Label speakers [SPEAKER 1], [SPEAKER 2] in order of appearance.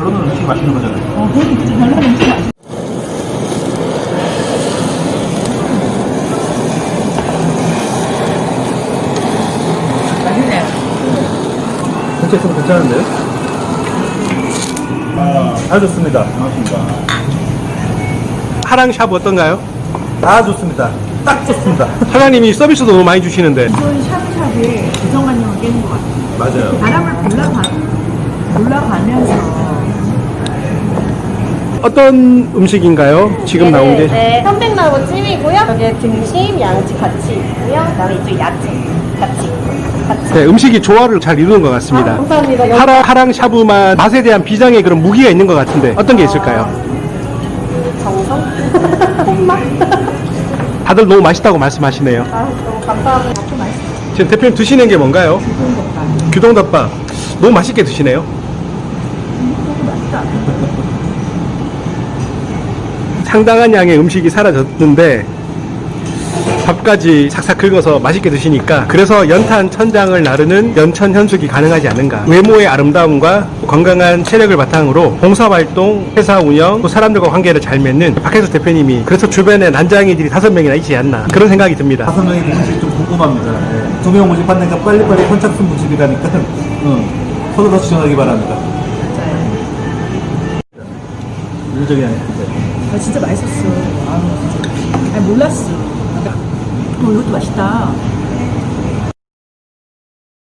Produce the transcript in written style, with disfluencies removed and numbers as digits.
[SPEAKER 1] 별로는 음식이 맛있는 거잖아요.
[SPEAKER 2] 그렇게 별로는 음식 맛있어. 맛있네.
[SPEAKER 1] 전체 좀 괜찮은데요? 다 좋습니다. 반갑습니다.
[SPEAKER 3] 하랑샵 어떤가요?
[SPEAKER 1] 다 좋습니다. 딱 좋습니다.
[SPEAKER 3] 사장님이 서비스도 너무 많이 주시는데
[SPEAKER 2] 이건 샤브샤브에 고정관념을 깨는 것 같아요.
[SPEAKER 1] 맞아요.
[SPEAKER 2] 바람을 올라가면서
[SPEAKER 3] 어떤 음식인가요? 지금 나온 게?
[SPEAKER 4] 네, 편백나무 찜이고요. 여기에 등심, 양치 같이 있고요. 그다음에 이쪽 야채 같이.
[SPEAKER 3] 네, 음식이 조화를 잘 이루는 것 같습니다.
[SPEAKER 4] 아, 감사합니다.
[SPEAKER 3] 하랑샤브만 맛에 대한 비장의 그런 무기가 있는 것 같은데 어떤 게 있을까요?
[SPEAKER 4] 정성? 손맛?
[SPEAKER 3] 다들 너무 맛있다고 말씀하시네요.
[SPEAKER 4] 아, 너무 감사합니다.
[SPEAKER 3] 지금 대표님 드시는 게 뭔가요? 규동덮밥. 너무 맛있게 드시네요. 상당한 양의 음식이 사라졌는데 밥까지 삭삭 긁어서 맛있게 드시니까 그래서 연탄 천장을 나르는 연천 현숙이 가능하지 않은가. 외모의 아름다움과 건강한 체력을 바탕으로 봉사활동, 회사 운영, 또 사람들과 관계를 잘 맺는 박혜수 대표님이 그래서 주변에 난장이들이 5명이나 있지 않나 그런 생각이 듭니다.
[SPEAKER 1] 5명이 누군지 좀 궁금합니다. 네. 2명 모집하니까 빨리빨리 선착순 모집이라니까 서로 더 지원하기 바랍니다. 윤정이 아니에요.
[SPEAKER 2] 아, 진짜 맛있었어. 아니, 몰랐어. 이것도 맛있다.